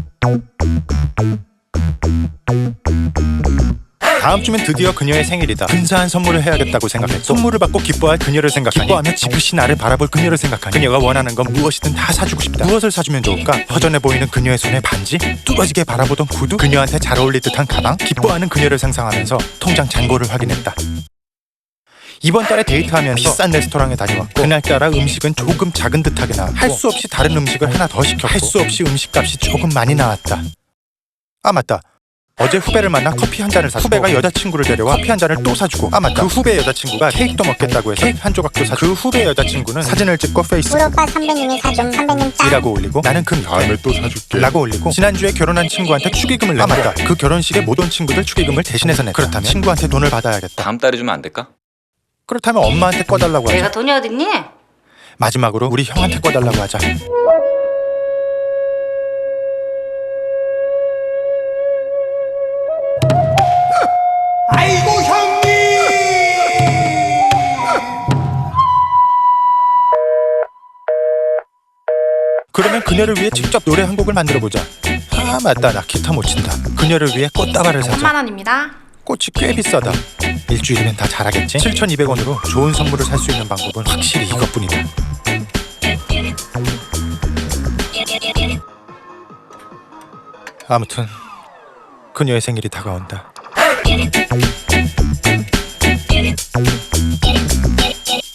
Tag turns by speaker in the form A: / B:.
A: 다음 주면 드디어 그녀의 생일이다. 근사한 선물을 해야겠다고 생각했고, 선물을 받고 기뻐할 그녀를 생각하니, 기뻐하며 지그시 나를 바라볼 그녀를 생각하니, 그녀가 원하는 건 무엇이든 다 사주고 싶다. 무엇을 사주면 좋을까? 허전해 보이는 그녀의 손에 반지? 뚫어지게 바라보던 구두? 그녀한테 잘 어울릴 듯한 가방? 기뻐하는 그녀를 상상하면서 통장 잔고를 확인했다. 이번 달에 데이트하면서 비싼 레스토랑에 다녀왔고, 그날따라 음식은 조금 작은 듯하게 나왔고, 할 수 없이 다른 음식을 하나 더 시켰고, 할 수 없이 음식값이 조금 많이 나왔다. 아 맞다, 어제 후배를 만나 커피 한 잔을 사주고, 후배가 여자친구를 데려와 커피 한 잔을 또 사주고, 아 맞다, 그 후배 여자친구가 케이크도 먹겠다고 해서 케이크 한 조각도 사주고, 그 후배 여자친구는 사진을 찍고 페이스북
B: 우리 오빠 선배님이 사준 선배님 짱
A: 이라고 올리고, 나는 그 다음에 또 사줄게 라고 올리고, 지난주에 결혼한 친구한테 축의금을 냈다. 아 맞다, 그 결혼식에 못 온 친구들 축의금을 대신해서 냈다. 그렇다면 친구한테 돈을 받아야겠다.
C: 다음 달에 주면 안 될까?
A: 그렇다면 엄마한테 꺼달라고 하자.
D: 내가 돈이 어딨니?
A: 마지막으로 우리 형한테 꺼달라고 하자.
E: 아이고 형님!
A: 그러면 그녀를 위해 직접 노래 한 곡을 만들어보자. 아 맞다, 나 기타 못 친다. 그녀를 위해 꽃다발을 사자.
D: 3만원입니다.
A: 꽃이 꽤 비싸다. 일주일이면 다 자라겠지? 7,200원으로 좋은 선물을 살 수 있는 방법은 확실히 이것뿐이다. 아무튼 그녀의 생일이 다가온다.